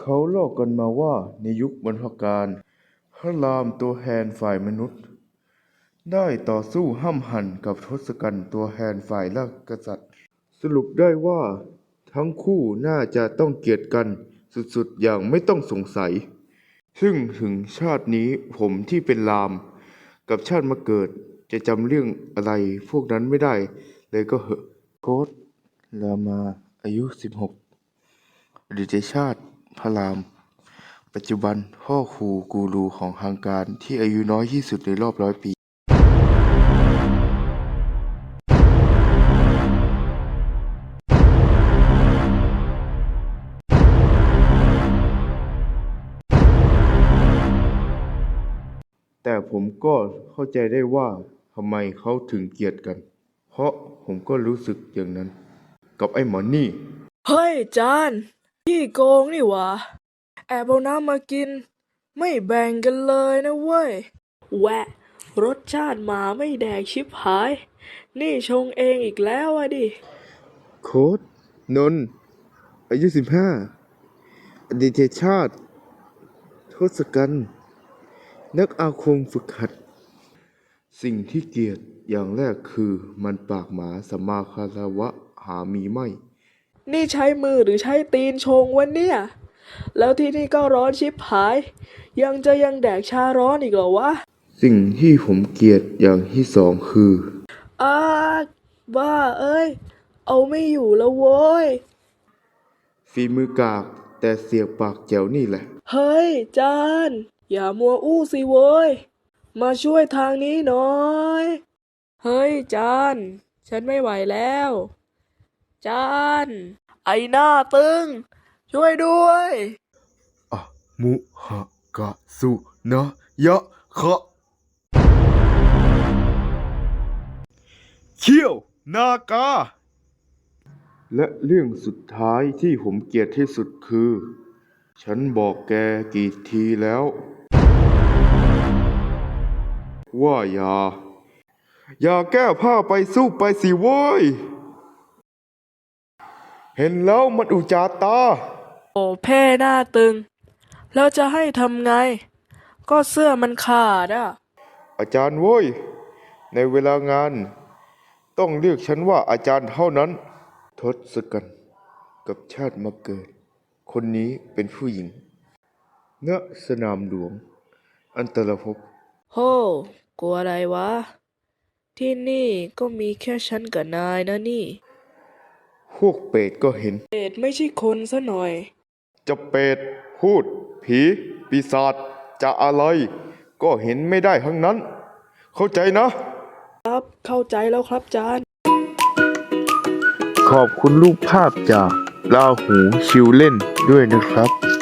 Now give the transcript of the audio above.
เขาเล่ากันมาว่าในยุคบรรพกาลพระรามตัวแทนฝ่ายมนุษย์ได้ต่อสู้ห้ำหั่นกับทศกัณฐ์ตัวแทนฝ่ายราชกษัตริย์สรุปได้ว่าทั้งคู่น่าจะต้องเกลียดกันสุดๆอย่างไม่ต้องสงสัยซึ่งถึงชาตินี้ผมที่เป็นรามกับชาติมาเกิดจะจำเรื่องอะไรพวกนั้นไม่ได้เลยก็เหอะโค้ดรามาอายุ16อดีตชาติพระรามปัจจุบันพ่อครูกูรูของทางการที่อายุน้อยที่สุดในรอบ100 ปีแต่ผมก็เข้าใจได้ว่าทำไมเขาถึงเกลียดกันเพราะผมก็รู้สึกอย่างนั้นกับไอ้หมอนี่เฮ้ยจานพี่โกงนี่หวะแอบเอาน้ำมากินไม่แบ่งกันเลยนะเว้ยแหวะรสชาติหมาไม่แดกชิบหายนี่ชงเองอีกแล้วอะดิโค้ดนนท์อายุ15อดีตชาติทศกัณฐ์นักอาคมฝึกหัดสิ่งที่เกลียดอย่างแรกคือมันปากหมาสัมมาคารวะหามีไม่นี่ใช้มือหรือใช้ตีนชงวะเนี่ยแล้วที่นี่ก็ร้อนชิบหายยังแดกชาร้อนอีกเหรอวะสิ่งที่ผมเกลียดอย่างที่สองคืออ้าบ้าเอ้ยเอาไม่อยู่แล้วโว้ยฝีมือกากแต่เสียงปากแจ๋วนี่แหละเฮ้ยจานอย่ามัวอู้สิโว้ยมาช่วยทางนี้หน่อยเฮ้ยจานฉันไม่ไหวแล้วจานไอหน้าตึงช่วยด้วยอะมุหะกะสุนะยะคะเขี้ยวนากาและเรื่องสุดท้ายที่ผมเกลียดที่สุดคือฉันบอกแกกี่ทีแล้วว่าอย่าแก้ผ้าไปสู้ไปสิโว้ยเห็นแล้วมันอุจจาตาโอ้แพ่หน้าตึงแล้วจะให้ทำไงก็เสื้อมันขาดอ่ะอาจารย์โว้ยในเวลางานต้องเรียกฉันว่าอาจารย์เท่านั้นทศกัณฐ์กับชาติมาเกิดคนนี้เป็นผู้หญิงณสนามหลวงอันตรภพโหกลัวอะไรวะที่นี่ก็มีแค่ฉันกับนายนะนี่พวกเปรตก็เห็นเดชไม่ใช่คนซะหน่อยจะเปรตพูดผีปีศาจจะอะไรก็เห็นไม่ได้ทั้งนั้นเข้าใจนะครับเข้าใจแล้วครับจานขอบคุณรูปภาพจากลาหูชิวเล่นด้วยนะครับ